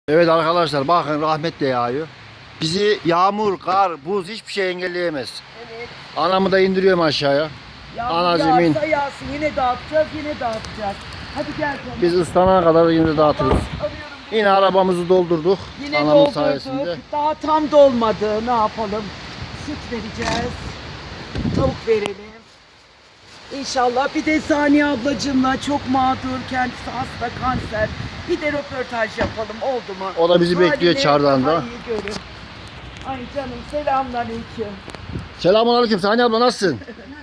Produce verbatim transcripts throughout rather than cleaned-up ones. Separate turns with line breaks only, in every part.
Evet arkadaşlar bakın rahmet de yağıyor. Bizi yağmur, kar, buz hiçbir şey engelleyemez.
Evet.
Anamı da indiriyorum aşağıya.
Yağmur
Anacığım in.
yağsa yağsın yine dağıtacağız yine dağıtacağız. Hadi gel canım.
Biz ıslanana kadar yine dağıtırız.
Alıyorum.
Yine arabamızı doldurduk.
Yine
Anamın
doldurduk.
sayesinde.
Daha tam dolmadı. Ne yapalım? Süt vereceğiz. Tavuk verelim. İnşallah bir de Saniye ablacığımla çok mağdur, kendisi hasta, kanser. Bir de röportaj yapalım, oldu mu?
O da bizi
Halini
bekliyor çardağında.
daha iyi görün. Ay canım, selamünaleyküm.
Selamun aleyküm Saniye abla nasılsın?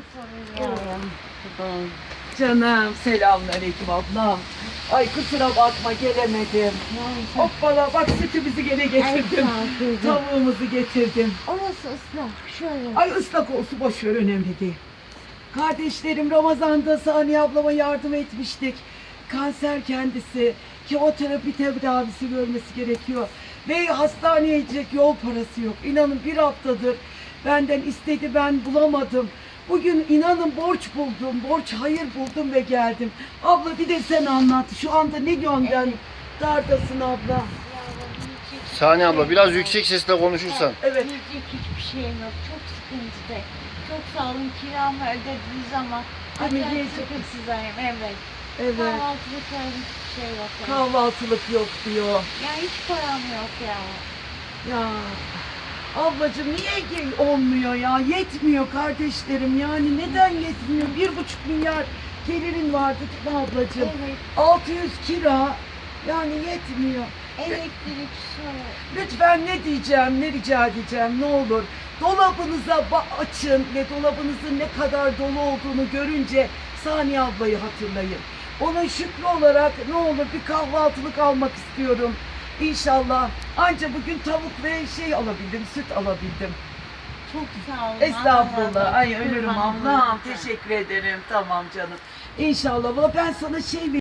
Canım, selamünaleyküm ablam. Ay kusura bakma, gelemedim. Hoppala, bak sütümüzü gene getirdim. Tavuğumuzu getirdim.
Orası ıslak. Şöyle.
Ay ıslak olsun, boş ver, önemli değil. Kardeşlerim Ramazan'da Saniye ablama yardım etmiştik. Kanser kendisi. Kemoterapi tedavisi görmesi gerekiyor. Ve hastaneye gidecek yol parası yok. İnanın bir haftadır benden istedi, ben bulamadım. Bugün inanın borç buldum, borç hayır buldum ve geldim. Abla bir de sen anlat. Şu anda ne gönden dardasın abla?
Yavrum, yiyecek
Saniye abla biraz yüksek sesle konuşursan.
Evet.
Yiyecek hiçbir şeyim yok. Çok sıkıntıda. Çok sağ olun, kiramı ödediniz ama
Değil mi?
acayip
Yiyecek-
sıkıntısındayım. Evet.
Evet.
Kahvaltılık falan hiçbir şey yok. Yani.
Kahvaltılık yok diyor.
Ya hiç param yok ya.
Ya ablacığım niye ge- olmuyor ya? Yetmiyor kardeşlerim, yani neden yetmiyor? Bir buçuk milyar gelirin vardı değil mi ablacığım?
Evet.
altı yüz kira, yani yetmiyor.
Elektrik, su.
Lütfen ne diyeceğim, ne rica edeceğim, ne olur. Dolabınıza ba- açın ve dolabınızın ne kadar dolu olduğunu görünce Saniye ablayı hatırlayın. Onun şükrü olarak ne olur bir kahvaltılık almak istiyorum. İnşallah. Anca bugün tavuk ve şey alabildim, süt alabildim.
Çok sağ olun.
Estağfurullah. Ay ölürüm
Kurban
ablam.
olurum.
Teşekkür ederim. Tamam canım. İnşallah. Valla ben sana şey